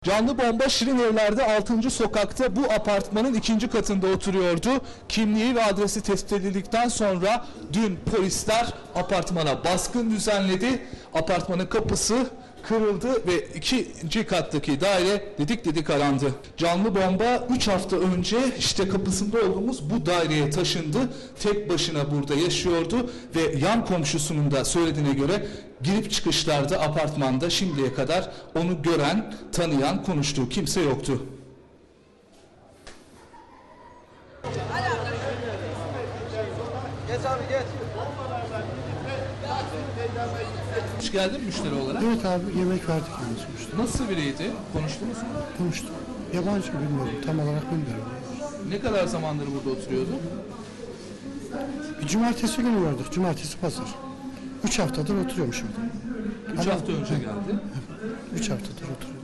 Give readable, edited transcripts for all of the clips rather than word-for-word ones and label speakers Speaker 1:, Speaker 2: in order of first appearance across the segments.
Speaker 1: Canlı bomba Şirinevler'de 6. sokakta bu apartmanın 2. katında oturuyordu. Kimliği ve adresi tespit edildikten sonra dün polisler apartmana baskın düzenledi. Apartmanın kapısı kırıldı ve 2. kattaki daire dedik arandı. Canlı bomba 3 hafta önce işte kapısında olduğumuz bu daireye taşındı. Tek başına burada yaşıyordu ve yan komşusunun da söylediğine göre girip çıkışlarda apartmanda şimdiye kadar onu gören, tanıyan, konuştuğu kimse yoktu.
Speaker 2: Geç abi geç.
Speaker 1: Hoş geldin müşteri olarak.
Speaker 3: Evet abi, yemek verdik yani sonuçta.
Speaker 1: Nasıl biriydi? Konuştunuz mu?
Speaker 3: Konuştuk. Yabancı bilmiyorum, tam olarak bilmiyorum.
Speaker 1: Ne kadar zamandır burada oturuyordu?
Speaker 3: Bir cumartesi günü gördük, cumartesi pazar. 3 haftadır oturuyorum şimdi.
Speaker 1: 3 hafta önce geldi.
Speaker 3: 3 haftadır oturuyorum.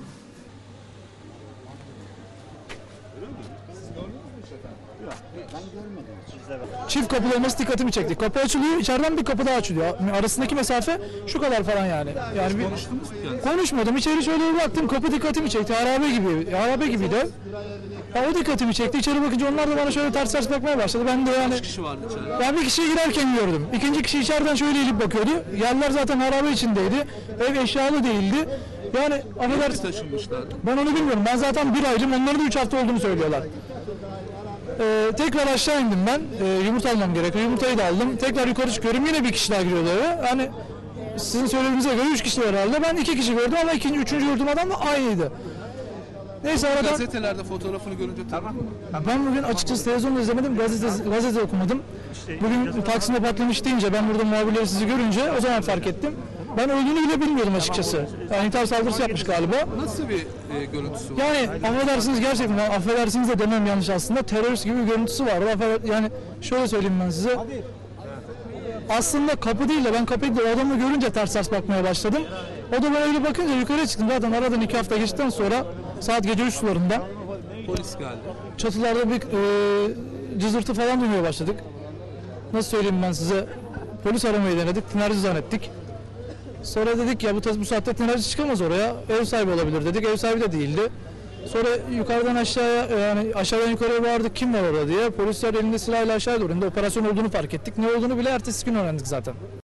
Speaker 4: Çift kapılı olması dikkatimi çekti. Kapı açılıyor, içeriden bir kapı daha açılıyor. Arasındaki mesafe şu kadar falan yani. Yani bir
Speaker 1: Konuştunuz mu kendisi?
Speaker 4: konuşmadım. İçeri şöyle bir baktım. Kapı dikkatimi çekti. Harabe gibiydi. Ya o dikkatimi çekti. İçeri bakınca onlar da bana şöyle ters bakmaya başladı. Ben de yani
Speaker 1: Kaç kişi vardı içeride?
Speaker 4: ben bir kişiyi girerken gördüm. İkinci kişi içeriden şöyle eğilip bakıyordu. Yerler zaten harabe içindeydi. Ev eşyalı değildi. Yani affedersin.
Speaker 1: Taşınmışlardı.
Speaker 4: Ben onu bilmiyorum. Ben zaten bir aydım. Onların da 3 hafta olduğunu söylüyorlar. Tekrar aşağı indim ben. Yumurta almam gerekiyor. Yumurtayı da aldım. Tekrar yukarı çıkıyorum. Yine bir kişi daha giriyordu eve. Hani sizin söylediğinize göre 3 kişi herhalde. Ben 2 kişi gördüm ama üçüncü gördüğüm adam da aynıydı. Neyse aradan
Speaker 1: Gazetelerde fotoğrafını görünce tamam mı?
Speaker 4: ben bugün açıkçası televizyonda izlemedim. Gazete okumadım. Bugün Taksim'de patlamış deyince ben burada muhabirleri sizi görünce o zaman fark ettim. Ben öldüğünü bile bilmiyordum açıkçası. Yani intihar saldırısı yapmış galiba.
Speaker 1: Nasıl bir görüntüsü var?
Speaker 4: Yani affedersiniz gerçekten, affedersiniz de demem yanlış aslında, terörist gibi bir görüntüsü vardı. Yani şöyle söyleyeyim ben size. Aslında kapı değil de ben kapıyı da o adamı görünce ters bakmaya başladım. O da böyle bakınca yukarı çıktım. Zaten aradan 2 hafta geçtikten sonra saat gece 3 sularında
Speaker 1: Polis geldi.
Speaker 4: çatılarda bir cızırtı falan duymaya başladık. Nasıl söyleyeyim ben size, polis aramayı denedik, tinerci zannettik. Sonra dedik ya bu saatte tinerci çıkamaz oraya, ev sahibi olabilir dedik, ev sahibi de değildi. Sonra yukarıdan aşağıya, yani aşağıdan yukarıya bağırdık kim var orada diye. Polisler elinde silahla aşağıya doğru indi, operasyon olduğunu fark ettik. Ne olduğunu bile ertesi gün öğrendik zaten.